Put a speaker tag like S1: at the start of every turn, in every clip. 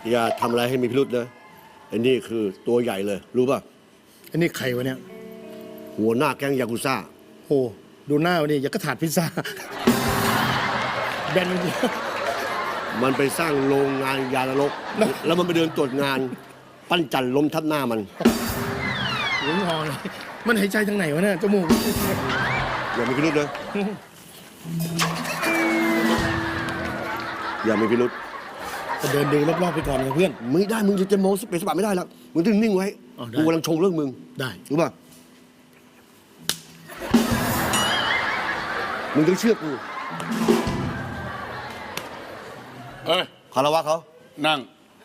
S1: อย่าทำอะไรให้มีพิรุษนะไอ้นี่คือตัวใหญ่เลยรู้ป่ะ
S2: อันนี้ใครวะเนี่ย
S1: หัวหน้าแก๊งยากุซ่า
S2: โอ้ดูหน้าวันนี้อยากกระถาดพิซซ่าแบนมันเยอะ
S1: มันไปสร้างโรงงานยานรกแล้วมันไปเดินตรวจงาน ปั้นจันล้มทับหน้ามัน
S2: หลงหอเลยมันหายใจทางไหนวะเนี่ยจมูก
S1: อย่ามีพิรุษนะอย่ามีพิรุษ
S2: จะเดินดูรอบๆไปก่อนนะเพื่อน
S1: ไม่ได้มึงจะโม้สเปซสปะไม่ได้แล้วมึงต้องนิ่งไว้
S2: อ๋อได้
S1: กูกำลังชงเรื่องมึง
S2: ได้
S1: รู้ป่ะมึงต้องเชื่อกู
S3: เอ้ย
S1: คารวะเขา
S3: นั่ง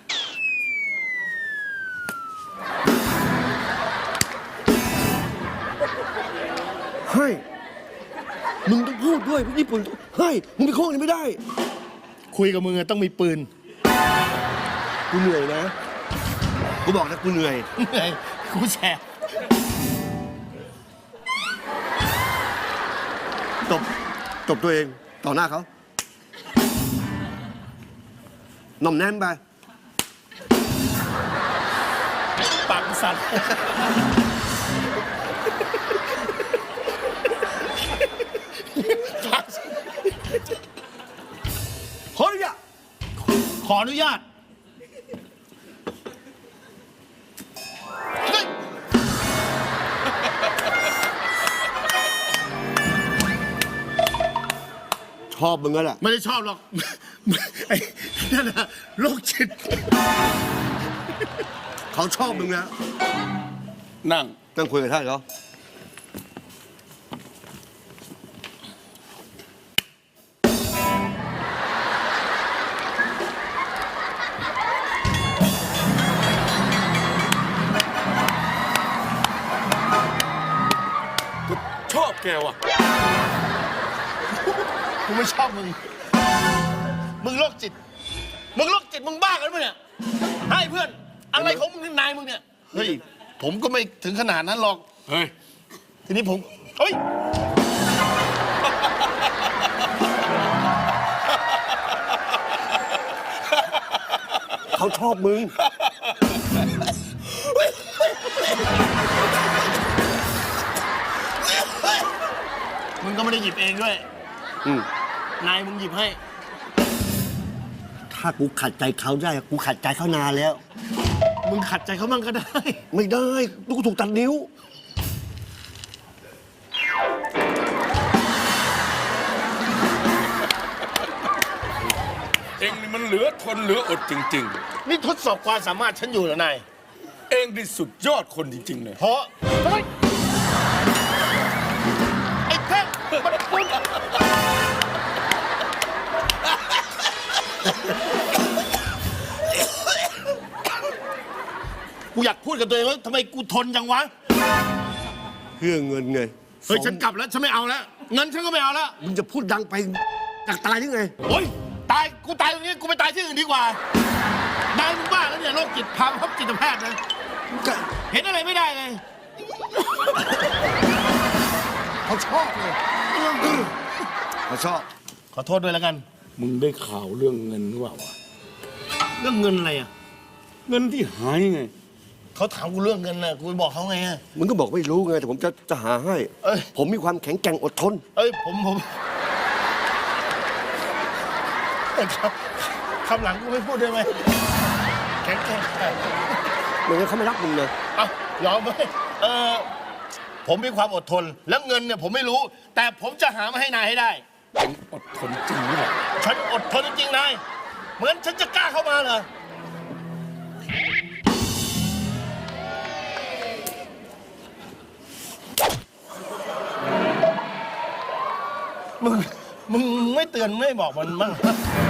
S1: เฮ้ยมึงต้องพูดด้วยญี่ปุ่นเฮ้ยมึงไปโค้งนี่ไม่ได้
S2: คุยกับมึงอะต้องมีปืน
S1: กูเหนื่อยนะกูบอกนะกูเหนื่อย
S2: เหนื่อยกูแสบ
S1: ตบตัวเองต่อหน้าเขาหน่อมแนมไป
S2: ปากสั่น
S1: เฮ้ยอะ
S2: ขออนุญาตเฮ้ย
S1: ชอบมึงก็แหละ
S2: ไม่ได้ชอบหรอก ไอ้นั่นน่ะโรคจิต
S1: เขาชอบมึงนะ
S3: นั่ง
S1: ต้องคุยกับท่านเขา
S3: ชอบแกว่ะ
S2: กูไม่ชอบมึง มึงโรคจิต มึงโรคจิตมึงบ้ากันปะเนี่ยให้เพื่อน อะไรของมึงนายมึงเนี่ย เฮ้ย ผมก็ไม่ถึงขนาดนั้นหรอก
S3: เฮ้ย
S2: ทีนี้ผม เฮ้ย
S1: เขาชอบมึง
S2: มึงก็ไม่ได้หยิบเองด้วย
S1: อืม
S2: นายมึงหยิบให้
S1: ถ้ากูขัดใจเขาได้กูขัดใจเขานานแล้ว
S2: มึงขัดใจเขามั่งก็ได้
S1: ไม่ได้ลูกถูกตัดนิ้ว
S3: เองนี่มันเหลือทนเหลืออดจริง
S2: นี่ทดสอบความสามารถฉันอยู่เหรอนาย
S3: ๆ เองนี่สุดยอดคนจริง ๆ เลย
S2: เพราะเฮ้ยไอ้แท่งมันมึงกูอยากพูดกับตัวเองว่าทำไมกูทนจังวะ
S1: เพื่อเงินไง
S2: เฮ้ยฉันกลับแล้วฉันไม่เอาแล้วเงินฉันก็ไม่เอาแล้ว
S1: มึงจะพูดดังไปอยากตายหรือไง
S2: โอ๊ยตายกูตายตรงนี้กูไปตายที่อื่นดีกว่าตายมึงบ้าแล้วเนี่ยโรคจิตพามาพบจิตแพทย์นะเห็นอะไรไม่ได้เลย
S1: เขาชอบเลยเขาชอบ
S2: ขอโทษด้วยแล้วกัน
S3: มึงได้ข่าวเรื่องเงินหรือเปล่าวะ
S2: เรื่องเงินอะไรอ่ะ
S3: เงินที่หายไง
S2: เขาถามกูเรื่องเงินน่ะกูไปบอกเขาไงอ่ะ
S1: มึงก็บอกไม่รู้ไงแต่ผมจะหาให้
S2: เอ้ย
S1: ผมมีความแข็งแกร่งอดทน
S2: เอ้ยผมแต่คำหลังกูไม่พูดได้ไหมแข็งแกร่ง
S1: ไม่งั้นเขาไม่รักมึงเลย
S2: เอายอมไหมผมมีความอดทน แล้วเงินเนี่ยผมไม่รู้ แต่ผมจะหามาให้นายให้ได้
S3: เองอดทนจริงหรือเปล่า
S2: ฉันอดทนจริงๆนายเหมือนฉันจะกล้าเข้ามาเหรอมึงไม่เตือนไม่บอกมันบ้าง